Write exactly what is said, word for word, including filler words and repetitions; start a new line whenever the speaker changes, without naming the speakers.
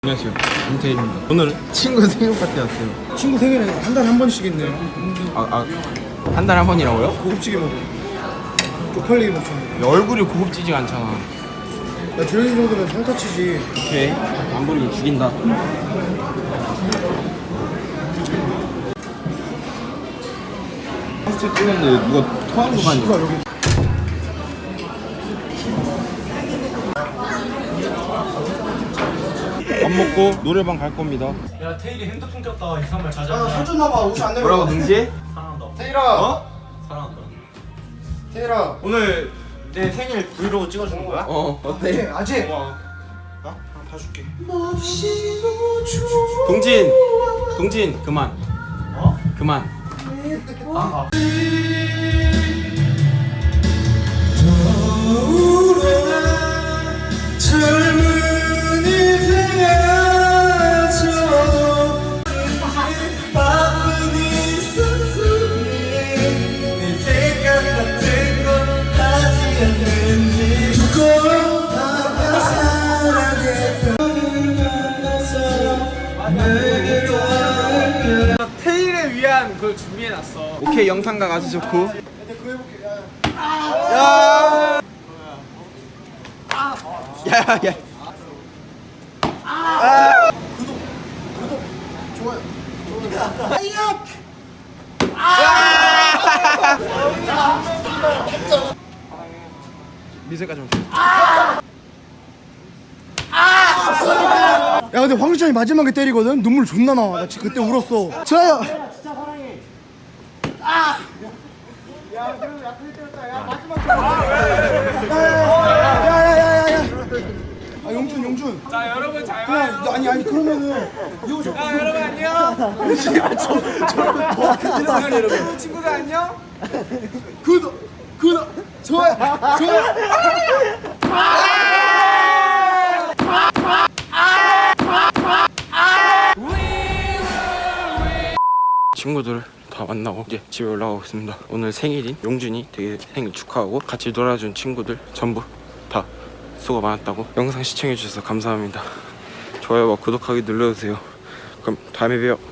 안녕하세요, 김태일입니다. 오늘 친구 생일 파티 왔어요.
친구 생일에 한 달에 한 번씩 있네요.
아, 아, 한 달에 한 번이라고요?
고급지게 먹어. 쪽팔리게 먹잖아.
야, 얼굴이 고급지지가 않잖아.
야, 저희 정도면 상타치지.
오케이, 안 부리면 죽인다. 파스타 찍었는데 누가 토한 거 아니야?
여기.
밥 먹고 노래방 갈 겁니다.
야 테일이 핸드폰 꼈다 이상한 말 자제.
아, 사줬나봐. 옷이 안 내려.
뭐라고 등지?
사랑한다.
태일아.
어?
사랑한다.
태일아.
오늘
내 생일 브이로그 찍어주는 거야?
어
네,
어때?
아직.
고마워.
어? 봐줄게.
동진, 동진 그만.
어?
그만.
아, 아.
테일을 위한 그걸 준비해놨어. 오케이, 영상각 아주 좋고. 야. 야, 야. 아.
좋아요.
미세가 좀.
야, 근데 황수찬이 마지막에 때리거든. 눈물 존나 나와. 나 지금 그때 울었어. 자. 진짜 사랑해. 아. 야, 그래도 야, 그때 때렸다. 야, 마지막. 야야야야야. 아, 용준, 용준.
자, 여러분 잘
그냥 아니 아니 그러면은 이거 좀.
자, 여러분 안녕. 제발 저 저런 더 들어가세요, 여러분. 친구들 안녕.
구독, 구독, 좋아요, 좋아요.
친구들 다 만나고 이제 집에 올라가고 있습니다. 오늘 생일인 용준이 되게 생일 축하하고 같이 놀아준 친구들 전부 다 수고 많았다고. 영상 시청해주셔서 감사합니다. 좋아요와 구독하기 눌러주세요. 그럼 다음에 봬요.